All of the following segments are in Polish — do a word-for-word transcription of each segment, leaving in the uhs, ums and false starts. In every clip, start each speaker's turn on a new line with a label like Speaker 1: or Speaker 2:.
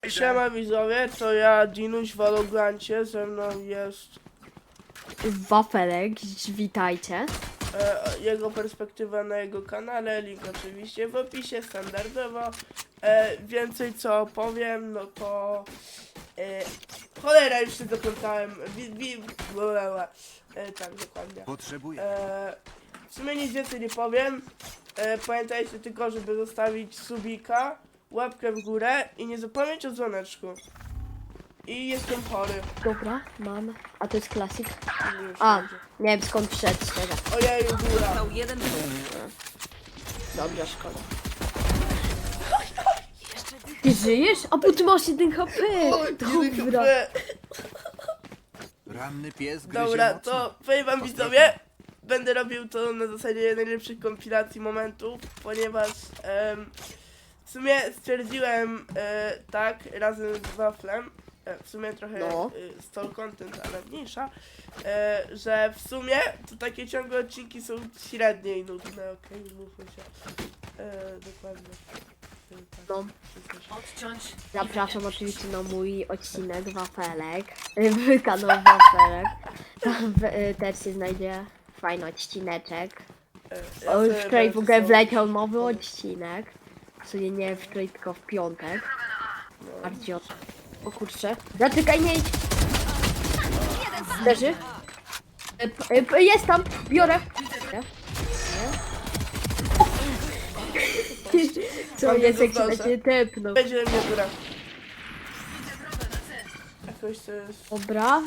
Speaker 1: Siema widzowie, to ja Dinuś w Valograncie, ze mną jest
Speaker 2: Wafelek, witajcie.
Speaker 1: e, jego perspektywa na jego kanale, link oczywiście w opisie standardowo. E, więcej co powiem, no to e, cholera, już się zaplątałem, wi, wi, bla, e, tak dokładnie.
Speaker 3: Potrzebuję.
Speaker 1: E, w sumie nic więcej nie powiem, e, pamiętajcie tylko, żeby zostawić subika, łapkę w górę i nie zapomnieć o dzwoneczku. I jestem chory.
Speaker 2: Dobra, mam. A to jest klasik.
Speaker 1: Już
Speaker 2: A,
Speaker 1: będzie.
Speaker 2: nie wiem skąd wszedł, szczerze.
Speaker 1: Ojej, góra.
Speaker 4: Został jeden
Speaker 2: Dobra, szkoda. Ty żyjesz? A bo ty masz jeden H P!
Speaker 1: Oj,
Speaker 2: Dobra.
Speaker 1: kurde.
Speaker 3: Ranny pies gryzie
Speaker 1: Dobra,
Speaker 3: mocno.
Speaker 1: to powiem wam widzowie, będę robił to na zasadzie najlepszych kompilacji momentów, ponieważ em, w sumie stwierdziłem e, tak razem z Waflem, e, w sumie trochę
Speaker 2: No.
Speaker 1: e, stall content, ale mniejsza, e, że w sumie to takie ciągłe odcinki są średnie i nudne, okej, mówmy się. E, dokładnie. E, tak,
Speaker 2: No.
Speaker 1: wszystko się-
Speaker 4: odciąć.
Speaker 2: Zapraszam oczywiście na mój odcinek Wafelek. W kanał Wafelek. Tam w, y, też się znajdzie fajny odcineczek.
Speaker 1: e, ja
Speaker 2: O,
Speaker 1: sobie
Speaker 2: wczoraj w
Speaker 1: będę
Speaker 2: ogóle
Speaker 1: sobie-
Speaker 2: wleciał nowy odcinek. W sumie nie wczoraj, tylko w piątek. Bardziej od... O kurczę. Zaczekaj, nie idź! Leży? E, p- e, p- Jest tam! Biorę! Nie? Nie? Co
Speaker 1: Mam
Speaker 2: jest, jak się
Speaker 1: niedozdolne.
Speaker 2: będzie tepnął?
Speaker 1: Będzie mnie góra. Jakoś to jest...
Speaker 2: Dobra.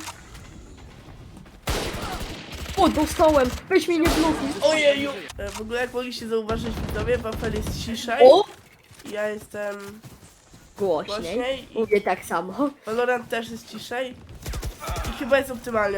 Speaker 2: O, dostałem! Weź mnie nie blokuj!
Speaker 1: Ojeju! E, W ogóle jak mogliście zauważyć widzowie, Wafel jest ciszej.
Speaker 2: O!
Speaker 1: Ja jestem
Speaker 2: Głośniej.
Speaker 1: głośniej i
Speaker 2: Mówię tak samo.
Speaker 1: Valorant też jest ciszej. I chyba jest optymalnie.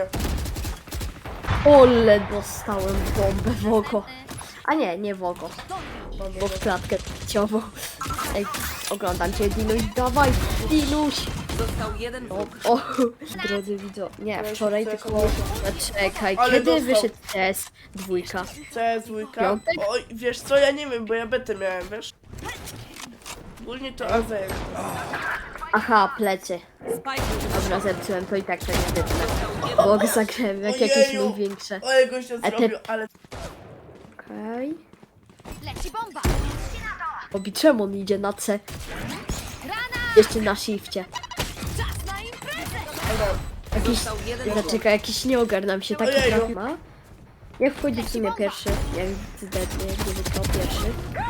Speaker 2: Ole, dostałem bombę w oko. A nie, nie w oko. Bo w klatkę ciową. Ej, oglądam cię, Dinuś, dawaj! Dinuś!
Speaker 4: Został jeden
Speaker 2: O,
Speaker 4: wróg.
Speaker 2: o, drodzy widzo, nie, wczoraj
Speaker 1: Ale
Speaker 2: tylko
Speaker 1: dostał.
Speaker 2: czekaj,
Speaker 1: Ale
Speaker 2: kiedy
Speaker 1: dostał.
Speaker 2: wyszedł C S dwójka?
Speaker 1: C S dwójka.
Speaker 2: Piątek?
Speaker 1: Oj, wiesz co, ja nie wiem, bo ja betę miałem, wiesz? Ogólnie to A Z.
Speaker 2: Aha, plecy.
Speaker 4: Spike
Speaker 2: Dobra, zepsułem, to i tak to nie wytnę. Bo go zagrałem jak jakieś
Speaker 1: Ojeju.
Speaker 2: największe.
Speaker 1: Ojej, gościa
Speaker 2: A ty-
Speaker 1: zrobił, ale...
Speaker 2: Okej.
Speaker 5: Leci bomba!
Speaker 2: Obi, czemu on idzie na C? Jeszcze na shifcie.
Speaker 5: Czas na imprezę!
Speaker 1: Dobra.
Speaker 2: Jakiś,
Speaker 4: Został jeden wróg.
Speaker 2: zaczekaj, jakiś nie ogarnam się, taki
Speaker 1: Ojeju.
Speaker 2: traf ma. Jak wchodzi w sumie pierwszy? Jak zdecydnie, nie wygrał pierwszy.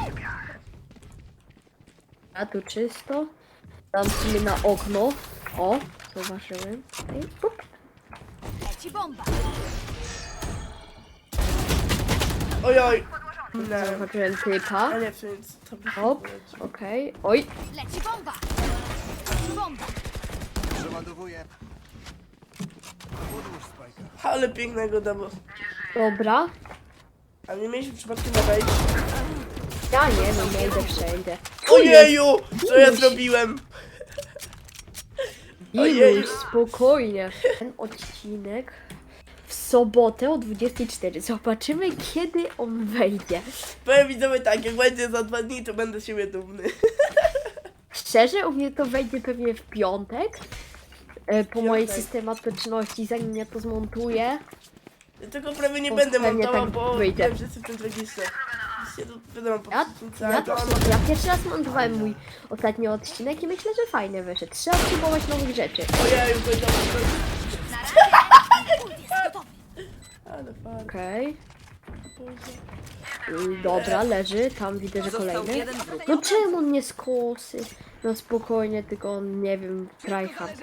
Speaker 2: A tu czysto. Tam w sumie na okno. O, zauważyłem. Okej, pup.
Speaker 5: Leci bomba!
Speaker 1: Ojoj. Nie.
Speaker 2: Zauważyłem typa.
Speaker 1: A nie, w sumie to by
Speaker 2: Hop, okej. Oj,
Speaker 5: Leci bomba! Leci bomba!
Speaker 3: Przeładowuję. Podłóż spajka.
Speaker 1: Ale pięknego domu.
Speaker 2: dobra.
Speaker 1: A nie mieliśmy przypadkiem na wejść?
Speaker 2: Ja nie, no nie idę wszędzie.
Speaker 1: Ojeju! Co ja
Speaker 2: Dinuś.
Speaker 1: zrobiłem? Ojeju.
Speaker 2: Iluś, spokojnie. Ten odcinek w sobotę o dwudziestej czwartej. Zobaczymy, kiedy on wejdzie.
Speaker 1: Powiem widzowie tak, jak będzie za dwa dni, to będę z siebie dumny.
Speaker 2: Szczerze, u mnie to wejdzie pewnie w piątek. e, Po mojej
Speaker 1: Piątek.
Speaker 2: systematyczności, zanim ja to zmontuję.
Speaker 1: Tylko prawie nie
Speaker 2: O,
Speaker 1: będę
Speaker 2: pewnie
Speaker 1: montował,
Speaker 2: tak
Speaker 1: bo
Speaker 2: wyjdzie.
Speaker 1: wiem, że jestem w tym tragiczny. Się to wiadomo, po
Speaker 2: Ja,
Speaker 1: prostu
Speaker 2: ja, to, ja pierwszy raz montowałem mój ostatni odcinek i myślę, że fajny wyszedł. Trzeba spróbować nowych rzeczy.
Speaker 1: Ojeju, to jest
Speaker 5: Na razie ult jest gotowy!
Speaker 1: ale fajnie.
Speaker 2: Okej. Y, Dobra, leży. Tam widzę, że
Speaker 4: Został
Speaker 2: kolejny.
Speaker 4: jeden wróg.
Speaker 2: No czemu on nie skosy? No spokojnie, tylko on, nie wiem, tryhard.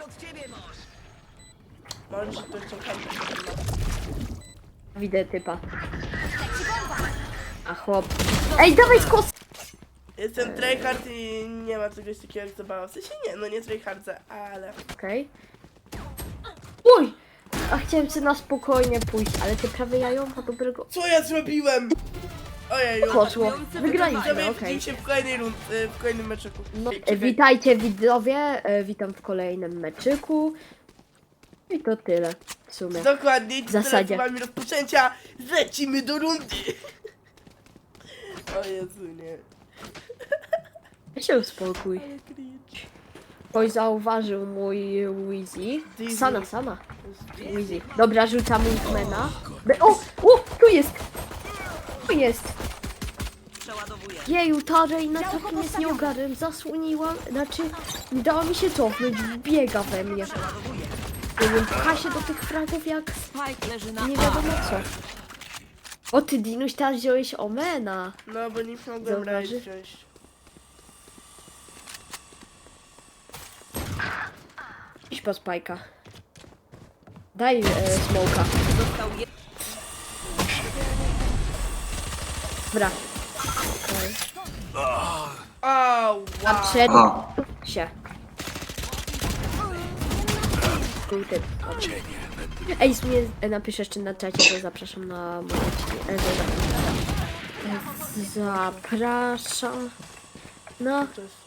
Speaker 1: Może się to jeszcze chętnie.
Speaker 2: Widzę typa.
Speaker 5: Leci bomba!
Speaker 2: A chłop. Ej, dawaj skos!
Speaker 1: Jestem tryhard i nie ma czegoś takiego jak zabawa. W sensie nie, no nie tryhardzę, ale...
Speaker 2: Okej. Uj! A chciałem sobie na spokojnie pójść, ale te prawe jajo ma dobrego...
Speaker 1: Co ja zrobiłem? Ojeju.
Speaker 2: Poszło. Wygraliśmy,
Speaker 1: Widzowie,
Speaker 2: okej.
Speaker 1: widzimy się w kolejnej rund, y, w kolejnym meczyku.
Speaker 2: No,
Speaker 1: Ej,
Speaker 2: e,
Speaker 1: czekaj.
Speaker 2: witajcie widzowie, e, witam w kolejnym meczyku. I to tyle w sumie.
Speaker 1: Dokładnie,
Speaker 2: W zasadzie.
Speaker 1: z rozpoczęcia lecimy do rundy. O Jezu, nie.
Speaker 2: Się uspokój.
Speaker 1: Ale cringe.
Speaker 2: Ktoś zauważył mój Wheezy.
Speaker 1: Disney.
Speaker 2: Sana, sama. Wheezy. Dobra, rzucamy Wingmana. Be- O! O! Tu jest! Tu jest! Jeju, ta Reina takim jest nieogarem. Zasłoniłam, znaczy nie dała mi się cofnąć. Biega we mnie. Nie wiem, pcha się do tych fragów jak
Speaker 4: Spike leży na
Speaker 2: nie wiadomo co. O ty, Dinuś, teraz wziąłeś Omena.
Speaker 1: No bo nie mogłem raid
Speaker 2: Zauważy?
Speaker 1: wziąć.
Speaker 2: Idź po spajka. Daj e, smoka.
Speaker 4: Został je...
Speaker 2: Dobra. Okay.
Speaker 1: Au,
Speaker 2: A
Speaker 1: wow.
Speaker 2: przed
Speaker 6: A,
Speaker 2: się. Kurde. Ej, w sumie e, napisz jeszcze na czacie, to zapraszam na moje e, za- Zapraszam na
Speaker 1: To jest...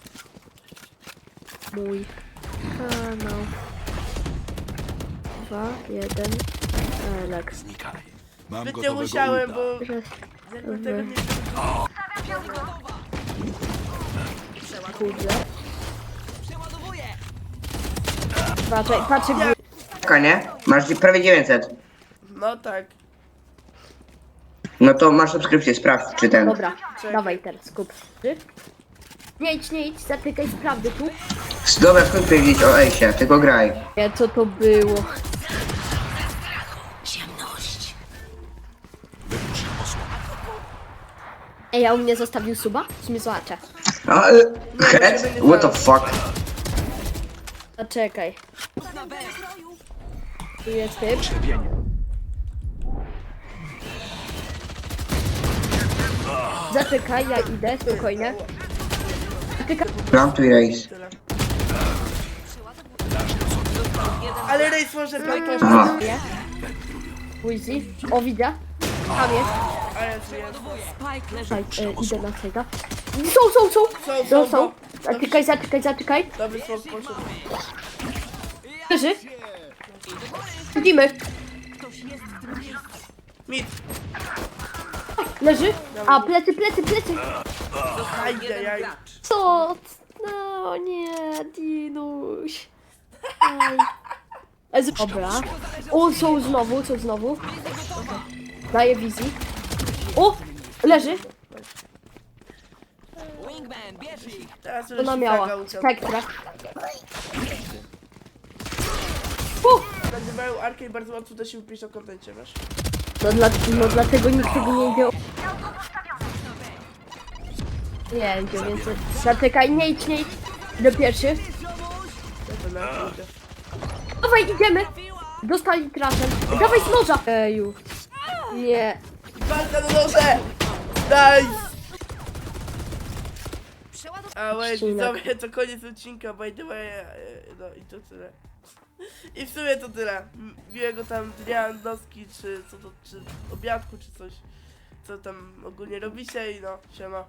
Speaker 2: mój kanał. Dwa, jeden, Elek.
Speaker 3: Mam
Speaker 1: Zbyt nie musiałem, bo... Jakby tego nie...
Speaker 2: Kurde. Patrzaj, patrzaj,
Speaker 1: Ja-
Speaker 6: taka, nie? Masz prawie dziewięćset.
Speaker 1: No tak.
Speaker 6: No to masz subskrypcję, sprawdź czy ten.
Speaker 2: dobra,
Speaker 1: Czekaj.
Speaker 2: dawaj teraz, skup. Nie idź, nie idź, zatykaj sprawdy tu.
Speaker 6: Dobra, skąd powiedzieć o Ejsie, tylko graj.
Speaker 2: Nie, co to było? Ej, a u mnie zostawił suba? W sumie zobaczę.
Speaker 6: A, e, head? What the fuck?
Speaker 2: A czekaj. Tu jest typ. Zaczekaj, ja idę, spokojnie. Zaczekaj.
Speaker 6: Plantuj race.
Speaker 1: Tyle. Ale rejs może tak
Speaker 6: Aha.
Speaker 2: Nie. Wheezy. O, widzę. Tam jest.
Speaker 1: A jest, jest.
Speaker 4: Spike leży
Speaker 2: Czekaj, e, idę na tego. Są, są, są!
Speaker 1: Są,
Speaker 2: No,
Speaker 1: są,
Speaker 2: są.
Speaker 1: no.
Speaker 2: Zaczekaj, zaczekaj, zaczekaj.
Speaker 1: Dobry słów poszedł.
Speaker 2: Leży. Widzimy.
Speaker 1: Mit.
Speaker 2: Leży. A, plecy, plecy, plecy.
Speaker 1: Ajde, jaj.
Speaker 2: Co? No nie, Dinuś. Ej. E, z- Dobra. O, są znowu, są znowu. Daję wizji. O! Leży.
Speaker 4: Wingman, bierz ich!
Speaker 1: Teraz już
Speaker 2: Ona miała.
Speaker 1: taka uciął.
Speaker 2: Spektra. U!
Speaker 1: Nazywają Arkę i bardzo łatwo da się upić o kontencie, wiesz?
Speaker 2: No, dla, no dlatego nikt tego nie wziął. Nie, idzie więcej. Zaczekaj, nie idź, nie idź. Do pierwszy.
Speaker 1: To na to idę.
Speaker 2: Dawaj, idziemy. Dostali trafem. Dawaj z noża. Eju. Nie.
Speaker 1: Walka na noże! Nice! A wait,
Speaker 2: Odcinek.
Speaker 1: widzowie, to koniec odcinka, by the way, e, no i to tyle. I w sumie to tyle. M- Miłego tam dnia, noski, czy co to, czy obiadku, czy coś, co tam ogólnie robicie i no, siema.